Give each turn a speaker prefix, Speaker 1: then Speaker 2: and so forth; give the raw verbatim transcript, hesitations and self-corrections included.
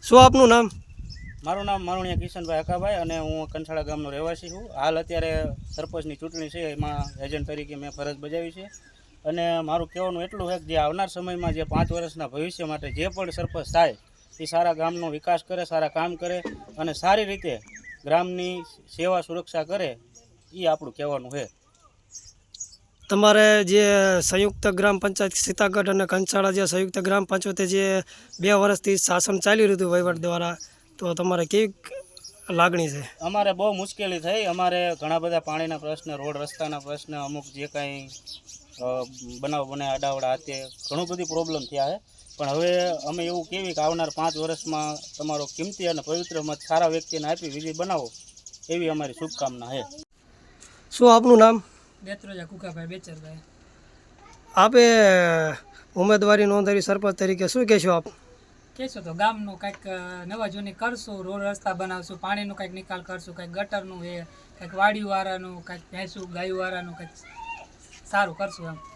Speaker 1: શું આપનું નામ?
Speaker 2: મારું નામ મારુણિયા કિશનભાઈ હકાભાઈ અને હું કંસાળા ગામનો રહેવાસી છું. હાલ અત્યારે સરપંચની ચૂંટણી છે, એમાં એજન્ટ તરીકે મેં ફરજ બજાવી છે. અને મારું કહેવાનું એટલું છે કે જે આવનાર સમયમાં જે પાંચ વર્ષના ભવિષ્ય માટે જે પણ સરપંચ થાય એ સારા ગામનો વિકાસ કરે, સારા કામ કરે અને સારી રીતે ગ્રામની સેવા સુરક્ષા કરે, એ આપણું કહેવાનું છે.
Speaker 1: તમારે જે સંયુક્ત ગ્રામ પંચાયત સીતાગઢ અને કંસાળા જે સંયુક્ત ગ્રામ પંચાયતે જે બે વર્ષથી શાસન ચાલી રહ્યું હતું વહીવટ દ્વારા, તો તમારે કેવી લાગણી છે?
Speaker 2: અમારે બહુ મુશ્કેલી થઈ. અમારે ઘણા બધા પાણીના પ્રશ્ન, રોડ રસ્તાના પ્રશ્ન, અમુક જે કાંઈ બનાવ બને આડાવડા હાથે ઘણું બધી પ્રોબ્લેમ થયા છે. પણ હવે અમે એવું કહેવી કે આવનાર પાંચ વર્ષમાં તમારો કિંમતી અને પવિત્ર મત સારા વ્યક્તિને આપી વિજય બનાવો, એવી અમારી શુભકામના છે.
Speaker 1: શું આપનું નામ?
Speaker 3: બેત્રોજા કુકાભાઈ બેચરભાઈ.
Speaker 1: આપે ઉમેદવારી નોંધાવી સરપંચ તરીકે, શું કહેશો આપ?
Speaker 3: કહેશો તો ગામનું કંઈક નવા જૂની કરશું, રોડ રસ્તા બનાવશું, પાણીનો કંઈક નિકાલ કરશું, કંઈક ગટરનું એ કંઈક વાડીવાળાનું, કંઈક ભેંસું ગાયુવાળાનું કંઈક સારું કરશું એમ.